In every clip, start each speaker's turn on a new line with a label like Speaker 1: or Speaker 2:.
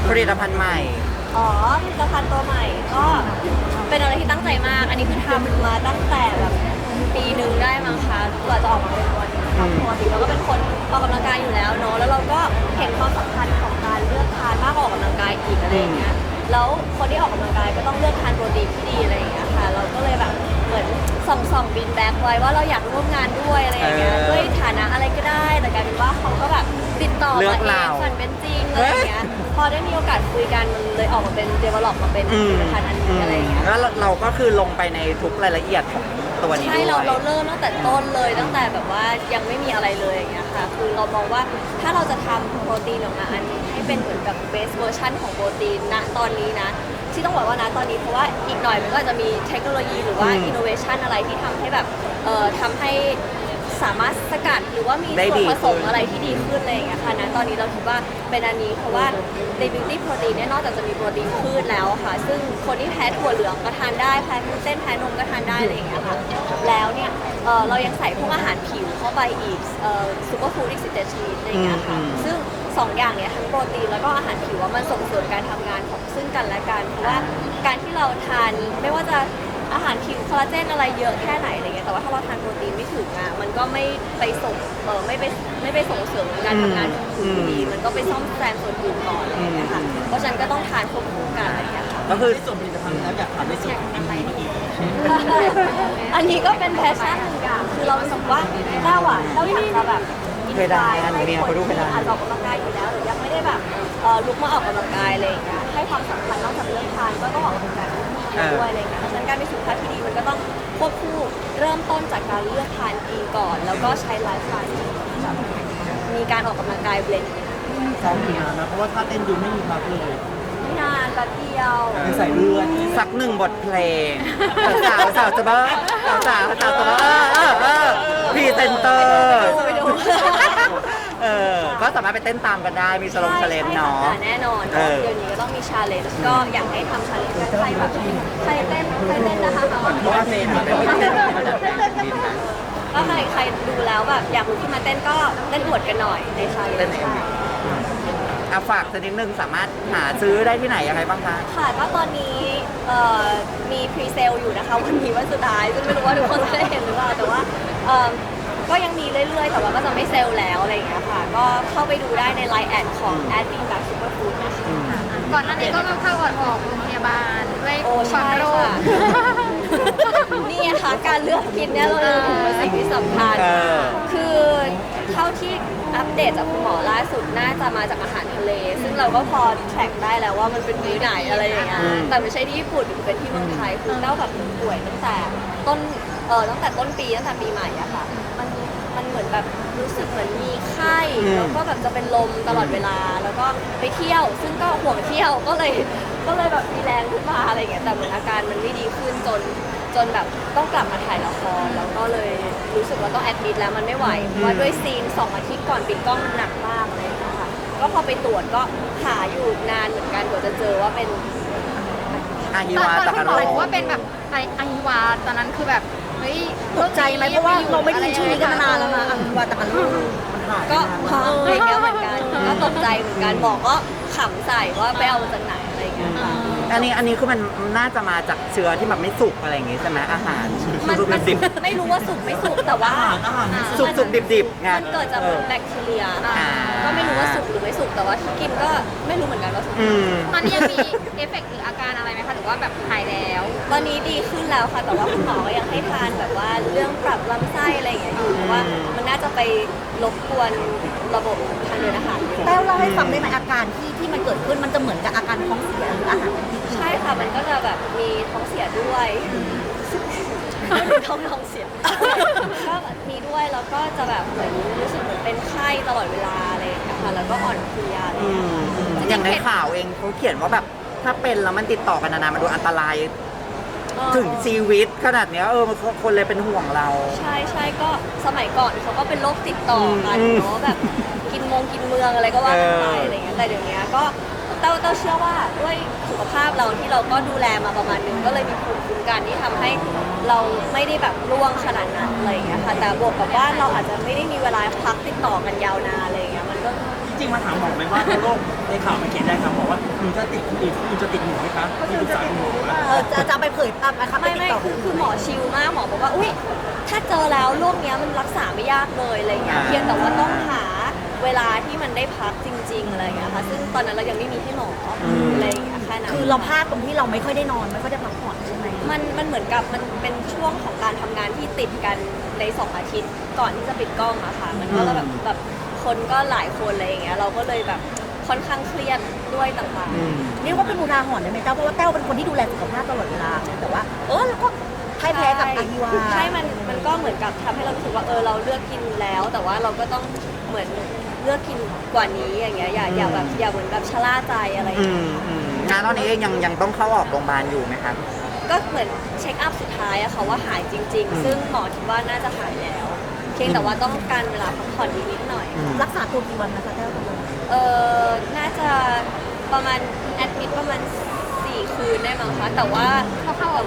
Speaker 1: ผลิตภัณฑ์ใหม่
Speaker 2: อ๋อผลิตภัณฑ์ตัวใหม่ก็เป็นอะไรที่ตั้งใจมาก อันนี้คือทำมาตั้งแต่แบบปีหนึ่งได้มั้งคะกว่าจะออกมาเป็นตัวนี้ค่ะปกติเราก็เป็นคนออกกำลังกายอยู่แล้วเนาะแล้วเราก็เห็นความสำคัญของการเลือกทานมากกว่าออกกำลังกายอีกอะไรอย่างเงี้ยแล้วคนที่ออกกำลังกายก็ต้องเลือกทานโปรตีนที่ดีอะไรอย่างเงี้ยค่ะเราก็เลยแบบเหมือนส่องบินแบ็กไว้ว่าเราอยากร่วมงานด้วยอะไรอย่างเงี้ยด้วยฐานะอะไรก็ได้แต่กลายเป็นว่าเขาก็แบบติดต่อมาเองฝันเป็นจริงอะไรอย่างเงี้ยพอได้มีโอกาสคุยกันมันเลยออกมาเป็น develop มาเป็นผลิตภัณฑ์อันนี้อะไรอย่างเงี้ย
Speaker 1: แล้วเราก็คือลงไปในทุกรายละเอียดของตัวนี้ด้วย
Speaker 2: ใช่เราเริ่มตั้งแต่ต้นเลยตั้งแต่แบบว่ายังไม่มีอะไรเลยอย่างเงี้ยค่ะคือเรามองว่าถ้าเราจะทำโปรตีนออกมาอันนี้ให้เป็นเหมือนกับเบสเวอร์ชันของโปรตีนณตอนนี้นะที่ต้องบอกว่านะตอนนี้เพราะว่าอีกหน่อยมันก็อาจจะมีเทคโนโลยีหรือว่าอินโนเวชันอะไรที่ทำให้แบบทำให้สามารถสกัดหรือว่ามีส่วนผสมอะไรที่ดีขึ้นอะไรอย่างเงี้ยค่ะนะตอนนี้เราคิดว่าเป็นอันนี้เพราะว่าในบิวตี้โปรตีนเนี่ยนอกจากจะมีโปรตีนพืชแล้วค่ะซึ่งคนที่แพ้ถั่วเหลืองก็ทานได้แพ้กลูเตนแพ้นมก็ทานได้อะไรอย่างเงี้ยค่ะแล้วเนี่ยเรายังใส่พวกอาหารผิวเข้าไปอีกซูเปอร์ฟู้ดอีก17ชนิดอะไรอย่างเงี้ยค่ะซึ่งสองอย่างเนี่ยทั้งโปรตีนแล้วก็อาหารผิวว่ามันส่งเสริมการทำงานของซึ่งกันและกันเพราะว่าการที่เราทานไม่ว่าจะอาหารผิวคอลลาเจนอะไรเยอะแค่ไหนอะไรเงี้ยแต่ว่าถ้าเราทานโปรตีนไม่ถึงอ่ะมันก็ไม่ไปส่งไม่ไปส่งเสริมการทำงานของผิวดีมันก็ไปซ่อมแซมส่วนอื่นก่อนอะไรเงี้ยค่ะเพราะฉะนั้นก็ต้องทานควบคู่กันอะไรเงี้ยค่ะ
Speaker 1: ก็คือ
Speaker 3: ส่วนผลิตภัณฑ์แล้วอยากถามในส่วนของอะไรอีก
Speaker 2: อันนี้ก็เป็นแพชชั่นหนึ่งอย่างคือเรารู้สึกว่าเราอยากจะแบบอินสปายให้คนที่อาจจะออกกำลังกายอยู่แล้วหรือยังไม่ได้แบบลุกมาออกกำลังกายอะไรอย่างเงี้ยให้ความสำคัญนอกจากเรื่องทานก็ต้องออกกำลังกายด้วยอะไรอย่างเงี้ยเพราะฉะนั้นการมีสุขภาพที่ดีมันก็ต้องควบคู่เริ่มต้นจากการเลือกทานดีก่อน แล้วก็ใช้ไลฟ์สไตล์ที่แบบมีการออกกำลังกายเบลนด์
Speaker 3: ซ้อมกี่นานนะเพราะว่าถ้าเต้นดูไม่มีพักเลย
Speaker 2: ไม่นานแป๊บเดียว
Speaker 3: เป็นสายเลือด
Speaker 1: สักหนึ่งบทเพลงสาวจะเบ้อสาวจะเบ้อพรีเซนเตอร์
Speaker 2: ไปดู
Speaker 1: ก็สามารถไปเต้นตามกันได้ มีสโลงเชลเลนเนาะ
Speaker 2: แน่นอนเดี๋ยวนี้ก็ต้องมีชาเลนจ์ก็อยากให้ทำชาเลนจ์กันใครแบบใครเต้นนะคะ
Speaker 3: เพราะว่าเมนมันเป็นเต้น
Speaker 2: ก็ใครดูแล้วแบบอยากลุกขึ้นมาเต้นก็เต้นอวดกันหน่อยในชาเลนจ์
Speaker 1: ฝากสักนิดนึงสามารถหาซื้อได้ที่ไหนยังไงบ้างคะ
Speaker 2: ค่ะก็ตอนนี้มีพรีเซลอยู่นะคะวันนี้วันสุดท้ายซึ่งไม่รู้ว่าทุกคนจะได้เห็นหรือเปล่าแต่ว่าก็ยังมีเรื่อยๆแต่ว่าก็จะไม่เซลล์แล้วอะไรอย่างเงี้ยค่ะก็เข้าไปดูได้ในไลน์แอดของ @beanbag superfood นะคะ
Speaker 4: ก่อนหน้านี้ก็มาเข้าออกโรงพยาบาลด้วย
Speaker 2: โอ้
Speaker 4: ควา
Speaker 2: ใช่
Speaker 4: มโรค
Speaker 2: ค่ะ นี่ค่ะการเลือกกินเนี่ยเราเป็นสิ่งที่สำคัญคือเท่าที่อัปเดตจากคุณหมอล่าสุดน่าจะมาจากอาหารทะเล ซึ่งเราก็พอแทร็กได้แล้วว่ามันเป็นมื้อไหนอะไรอย่างเงี้ยแต่ไม่ใช่ที่ญี่ปุ่นเป็นที่เมืองไทยคือเต้าแบบป่วยตั้งแต่ต้นปีตั้งแต่ปีใหม่อะค่ะมันเหมือนแบบรู้สึกเหมือนมีไข้แล้วก็แบบจะเป็นลมตลอดเวลาแล้วก็ไปเที่ยว ซึ่งก็ห่วงเที่ยวก็เลยแบบมีแรงขึ้นมาอะไรอย่างเงี้ยแต่เหมือนอาการมันไม่ดีขึ้นจนแบบต้องกลับมาถ่ายละครแล้วก็เลยรู้สึกว่าต้องแอดมิดแล้วมันไม่ไหวเพราะว่าด้วยซีน2 อาทิตย์ก่อนปิดกล้องมันหนักมากเลยนะคะก็พอไปตรวจก็หาอยู่นานเหมือนกันกว่าจะเจอว่าเป็น
Speaker 1: อาฮิ
Speaker 4: ตอน
Speaker 1: วา
Speaker 4: ตอน
Speaker 1: ตะ
Speaker 4: คุ
Speaker 1: กะ
Speaker 4: ณห
Speaker 1: โร
Speaker 4: มอบอกว่าเป็นแบบไอฮิวาตอนนั้นคือแบบเฮ้ย
Speaker 5: ตกใจไหมเพราะว่าเราไม่ได้ยินชื่อนี้กันมานานแล้วนะอังวาตะกันลูก
Speaker 2: ก็ฮะอะไรเงี้ยเหมือนกันก็ตกใจเหมือนกันหมอก็ขำใส่ว่าไปเอามาจากไหนอะไรเงี้ยค่ะ
Speaker 1: อันนี้คือมันน่าจะมาจากเชื้อที่แบบไม่สุกอะไรอย่างงี้ใช่ไหมอาหาร
Speaker 2: มัน
Speaker 1: ดิบ
Speaker 2: ไม่รู้ว่าสุกไม่สุกแต่ว่า
Speaker 1: สุกดิบไง
Speaker 2: มันเกิดจากแบคทีเรียก็ไม่รู้ว่าสุกหรือไม่สุกแต่ว่าที่กินก็ไม่รู้เหมือนกันว่าสุก
Speaker 4: ตอนนี้ยังมีเอฟเฟกต์หรืออาการอะไรไหมคะหรือว่าแบบหายแล้ว
Speaker 2: ตอนนี้ดีขึ้นแล้วค่ะแต่ว่าคุณหมอก็ยังให้ทานแบบว่าเรื่องปรับลำไส้อะไรอย่างเงี้ยอยู่เพราะว่ามันน่าจะไปรบกวนระบบทางเดินอาหารอยู่
Speaker 5: แต้วเล่าให้ฟังได้ไหมอาการที่มันเกิดขึ้นมันจะเหมือนกับอาการท้องเสียหรืออาหารเป็นพิษ
Speaker 2: ใช่ค่ะมันก็จะแบบมีท้องเสียด้วยท้องเสียก็มีด้วยแล้วก็จะแบบเหมือนรู้สึกเหมือนเป็นไข้ตลอดเวลาอะไรอย่างเงี้ยค่ะแล้วก็อ่อนเพลียอะไรอย่างเงี้ยค่ะ
Speaker 1: อย่างในข่าวเองเขาเขียนว่าแบบถ้าเป็นแล้วมันติดต่อกันนานๆมันดูอันตรายถึงชีวิตขนาดเนี้ยคนเลยเป็นห่วงเรา
Speaker 2: ใช่ก็สมัยก่อนเขาก็เป็นโรคติดต่อกันเนาะแบบกินเมืองอะไรก็ว่ากันไปอะไรอย่างเงี้ยแต่เดี๋ยวนี้ก็เต้าเชื่อว่าด้วยสุขภาพเราที่เราก็ดูแลมาประมาณนึงก็เลยมีภูมิคุ้มกันที่ทำให้เราไม่ได้แบบร่วงขนาดนั้นอะไรอย่างเงี้ยค่ะแต่บวกกับว่าเราอาจจะไม่ได้มีเวลาพักติดต่อกันยาวนานอะไรอย่างเงี้ยมันก็
Speaker 3: ริงๆมาถามหมอไหมว่าโรคในข่าวมันเขียนได้ครับบอกว่าหนูจะติดคนอื่นคุณจะติดหนูไหมคะมีปรึกษาหนูไหม
Speaker 5: จะไปเผยภาพนะคะไป
Speaker 2: ไม่
Speaker 5: ติด
Speaker 2: ไม่
Speaker 5: ต่อ
Speaker 2: คือหมอชิลมากหมอบอกว่าอุ้ยถ้าเจอแล้วโรคเนี้ยมันรักษาไม่ยากเลยอะไรเงี้ยเพียงแต่ว่าต้องหาเวลาที่มันได้พักจริง ๆอะไรเงี้ยค่ะซึ่งตอนนั้นเรายังไม่มีที่หมออะไรเงี้ยแค่นั้น
Speaker 5: คือเราพลาดตรงที่เราไม่ค่อยได้นอนไม่ค่อยได้พักผ่อนใช่ไหม
Speaker 2: มันเหมือนกับมันเป็นช่วงของการทำงานที่ติดกันใน2 อาทิตย์ก่อนที่จะปิดกล้องอะค่ะมันก็แบบคนก็หลายคนอะไรอย่างเงี้ยเราก็เลยแบบค่อนข้างเครียดด้วยต่างๆ
Speaker 5: เรียกว่าเป็นอุทาหรณ์ได้ไหมเต้าเพราะว่าเต้าเป็นคนที่ดูแลสุขภาพตลอดเวลาแต่ว่าเราก็พ่ายแพ้กับอาฮิวา
Speaker 2: ใช่ มันก็เหมือนกับทำให้เรารู้สึกว่าเราเลือกกินแล้ว แต่ว่าเราก็ต้องเหมือนเลือกกินกว่านี้อย่างเงี้ยอย่าแบบอย่าเหมือนแบบชะล่าใจอะไรอย่างเงี้ย
Speaker 1: งานตอนนี้เองยังต้องเข้าออกโรงพยาบาลอยู่ไหมครับ
Speaker 2: ก็เหมือนเช็คอัพสุดท้ายอะค่ะว่าหายจริง ๆ ซึ่งหมอคิดว่าน่าจะหายแล้ว เพียงแต่ว่าต้องการเวลาพักผ่อนนิดหน่อย
Speaker 5: รักษาตัวกี่วันนะคะเต้าตกลง
Speaker 2: น่าจะประมาณแอดมิดประมาณ4 คืนได้มั้งคะแต่ว่า
Speaker 4: เข้าๆออก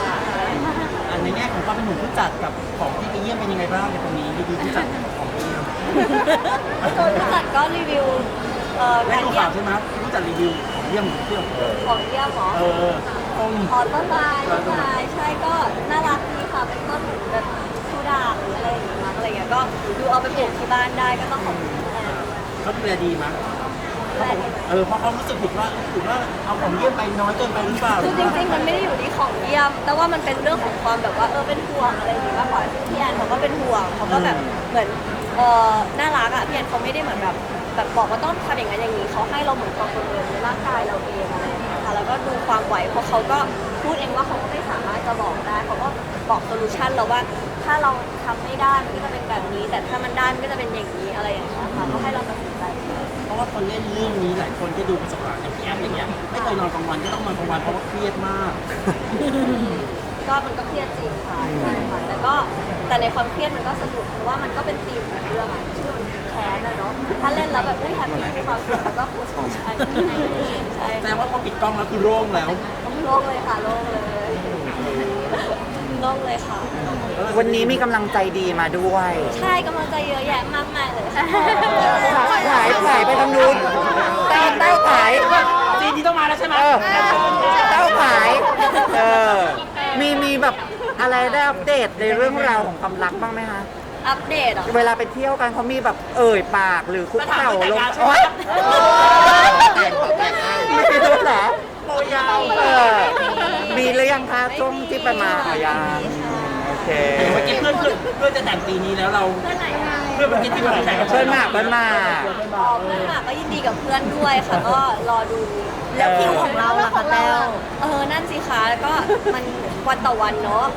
Speaker 3: ในแง่ของความเป็นหนุ่มผู้จัดกับของที่ไปเยี่ยมเป็นยังไงบ้างในตรงนี้ดีๆผู้จัดของพี่
Speaker 2: ผู้จัดก็รีวิว
Speaker 3: ได้
Speaker 2: การ
Speaker 3: ดู
Speaker 2: เยี่ย
Speaker 3: ข่าม วใช่ไหมผู้จัดรีวิวของเยี่ยมเที่ยว
Speaker 2: ของเยี่ยมหมอ
Speaker 3: ต้น
Speaker 2: ต้นไม้ใช่ก็น่ารักดีค่ะเป็นต้นแบบชูด่างหรืออะไรอย่างเงี้ยอะไรอย่างเงี้ยก็ดูเอาไปปลูกที่บ้านได้ก็ต้องขอบคุณแอน
Speaker 3: เขาดูแลดีมั้ย
Speaker 2: แอน
Speaker 3: เพราะเขารู้สึกผิดว่าเอาของเยี่ยมไปน้อยเกินไปหรือเปล่า
Speaker 2: คือจริงๆมันไม่ได้อยู่ที่ของเยี่ยม แต่ว่ามันเป็นเรื่องของความแบบว่าเป็นห่วงอะไรอย่างเงี้ยมากกว่าซึ่งพี่แอนเขาก็เป็นห่วงเขาก็แบบเหมือนน่ารักอ่ะพี่แอนเขาไม่ได้เหมือนแบบบอกว่าต้องทำอย่างนั้นอย่างนี้เขาให้เราเหมือนความประเมินในร่างกายเราเองอะไรอย่างเงี้ยค่ะแล้วก็ดูความไหวเพราะเขาก็พูดเองว่าเขาก็ไม่สามารถจะบอกได้เขาก็บอกโซลูชันเราว่าถ้าเราทำไม่ได้มันก็จะเป็นแบบนี้ แต่ถ้ามันได้มันก็จะเป็นอย่างนี้อะไรอย่างเงี้ยค่ะก็ให้เราตัดสินใจ
Speaker 3: เพราะว่าคนเล่นเรื่องนี้หลายคนที่ดูประสบการณ์อย่างพี่แอฟอย่างเงี้ยไม่เคยนอนกลางวันก็ต้องนอนกลางวันเพราะว่าเครียดมาก
Speaker 2: ก็มันก็เครียดจริงค่ะใช่ค่ะแต่ในความเครียดมันก็สนุกเพราะว่ามันก็เป็นธีมของเรื่องอะชื่อมันแค้นนะเนาะถ้าเล่นแล้วแบบแฮปปี้มีความสุขแล้วก็ฟูสใช่ใช่
Speaker 3: แต่ว่าพอปิดกล้องแล้วคือโล่งแล้ว
Speaker 2: โล่งเลยค่ะโล่งเลยโล่งเลยค่ะ
Speaker 1: วันนี้มีกำลังใจดีมาด้วย
Speaker 2: ใช่กำลังใจเยอะแยะมากมายเลยค่ะ
Speaker 1: ขายไปทางนู้นเต้าขาย
Speaker 3: ซีนที่ต้องมาแล้วใช่ไหม
Speaker 1: เต้าขายมีแบบอะไรได้อัปเดตในเรื่องราวของความรักบ้างไหมคะ
Speaker 2: อัปเดตเหรอ
Speaker 1: เวลาไปเที่ยวกันเขามีแบบปากหรือคุกเข่าลง
Speaker 3: ใช่ไหม
Speaker 1: ไม่รู้เหรอ
Speaker 3: โมยาว
Speaker 1: มีหรือยังคะช่วงที่ไปมายังโอเค
Speaker 3: เมื่อกี้เพื่อนจะแต่งปีนี้แล้วเรา
Speaker 2: เพื่อนไหนคะ
Speaker 3: เพื่อนเมื่อกี้ที่มาแต่งกับ
Speaker 1: เพื่อนมาก
Speaker 2: เพื่อนหมากก็ยินดีกับเพื่อนด้วยค่ะก็รอดู
Speaker 5: แล้วคิวของเราล่ะคะแต้ว
Speaker 2: นั่นสิคะแล้วก็มันวันต่อวันเนาะ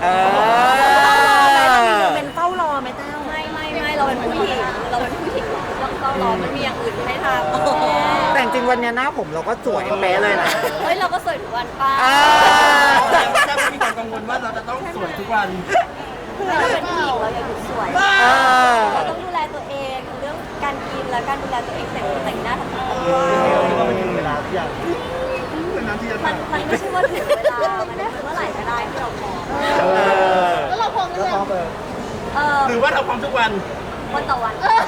Speaker 5: เป็นเฝ้ารอไหมแต้ว
Speaker 2: ไม่เราเป็นผู้หญิงต้องรอมันมีอย่างอื่นให้ทำ
Speaker 1: แต่จริงวันเนี้ยหน้าผมเราก็สวยเป๊ะเลยนะ
Speaker 2: เฮ้ยเราก็สวยทุกวันป้า
Speaker 3: แต่มีความกังวลว่าเราจะต้องสวยทุกวัน
Speaker 2: เราเป็นผู้หญิงเราอย่าหยุดสวยเราต้องดูแลตัวเองเรื่องการกินและการดูแลตัวเองแต่งหน้าทำผมมันไม่ใช่ว่าถึงเวลามันได้เมื่อไหร่ก็ได้ที่เราพร้อม
Speaker 4: แล้วเราพร้อมหรือยัง
Speaker 3: หรือว่าเราพร้อมทุกวัน
Speaker 2: วันต่อวัน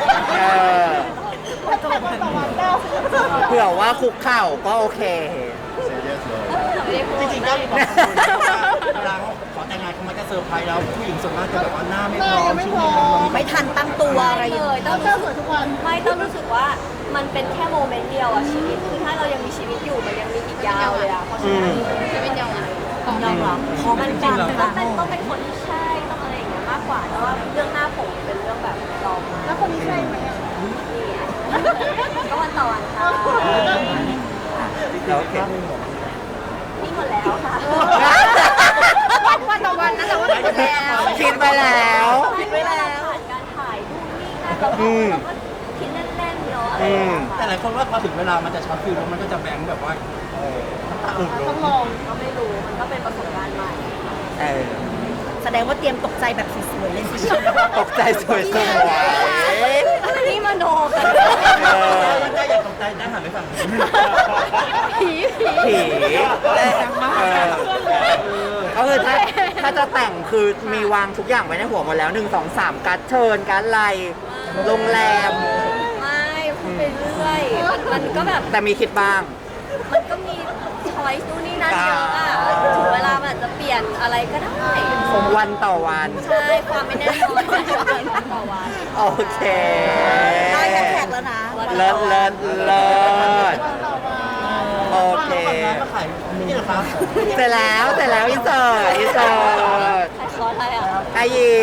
Speaker 1: เผื่อว่าคุกเข่าก็โอเค
Speaker 3: จริงๆก็มีความกังวลว่าเวลาเขาขอแต่งงานเขามักจะเซอร์ไพรส์แล้วผู้หญิงส่วนมากจะแบบว่าหน้าไม่พร้อมช่วงนี้มัน
Speaker 5: ไม่ทันตั้งตัวอะไร
Speaker 2: เลยต้องรู้สึกต้องรู้สึกว่ามันเป็นแค่โมเมนต์เดียวอะชีวิตคือถ้าเรายังมีชีวิตอยู่มันยังมีอีกยาวเลยอะเพราะฉะนั้น
Speaker 4: จะเป็นยังไง
Speaker 5: ยอมรับพอมัน
Speaker 2: มัน
Speaker 5: ดัง
Speaker 2: ต้องเป็นคนที่ใช่ต้องอะไรอย่างเงี้ยมากกว่าแต่ว่าเรื่องหน้าผมเป็นเรื่องแบบรองมา
Speaker 4: แล้วคนนี้ใช่ไหมอ่ะ
Speaker 2: นี่ไงก็วันต่อวันค่ะ
Speaker 1: โอเค
Speaker 2: นี่หมดแล้วค่ะ
Speaker 4: วันต่อวันนะแต่ว่าไม่แล้ว
Speaker 1: คิดไปแล้ว
Speaker 2: คิดไว้แล้วผ่านการถ่ายนู่นนี่นั่นเราก็คิดเล่นๆเนาะอะไรอย่างเงี้ย
Speaker 3: แต่หลายคนว่าพอถึงเวลามันจะช็อตฟิลแล้วมันก็จะแบงค์แบบว่าน้ำตาอื่นล
Speaker 4: ต้อง งลอง
Speaker 2: ก็ไม่รู้มันก็เป็นประสบการณ์ใหม่
Speaker 5: แสดงว่าเตรียมตกใจแบบสวยๆเลยสิ
Speaker 1: ตกใจสวย
Speaker 2: นี่มาโนกัน
Speaker 3: มันได้อย่างตกใจได้หันไปฝั่ง
Speaker 1: ๆผีแรงมากก็คือถ้าจะแต่งคือมีวางทุกอย่างไว้ในหัวหมดแล้ว1 2 3การ์ดเชิญการ์ดไลน์โรงแรม
Speaker 2: ไม่พูดไปเรื่อด้วย มันก็แบบ
Speaker 1: แต่มีคิดบ้าง
Speaker 2: มันก็มีช้อยส์นู่นนี่นั่นเยอะอะถึงเวลามันอาจจะเปลี่ยนอะไรก็ได้
Speaker 1: วันต่อวัน
Speaker 2: ใช่ ความไม่แน่นอนต่อวัน
Speaker 1: โอเค
Speaker 5: ได้แฮชแท็กแล้วนะ
Speaker 1: เลิศเลิศเลิศโอเค
Speaker 3: มาขายนี่เหรอครับ
Speaker 1: เสร็จแล้วอินเสิร์ต
Speaker 2: ใครคอร์สอะไรอ่ะ
Speaker 1: อายิ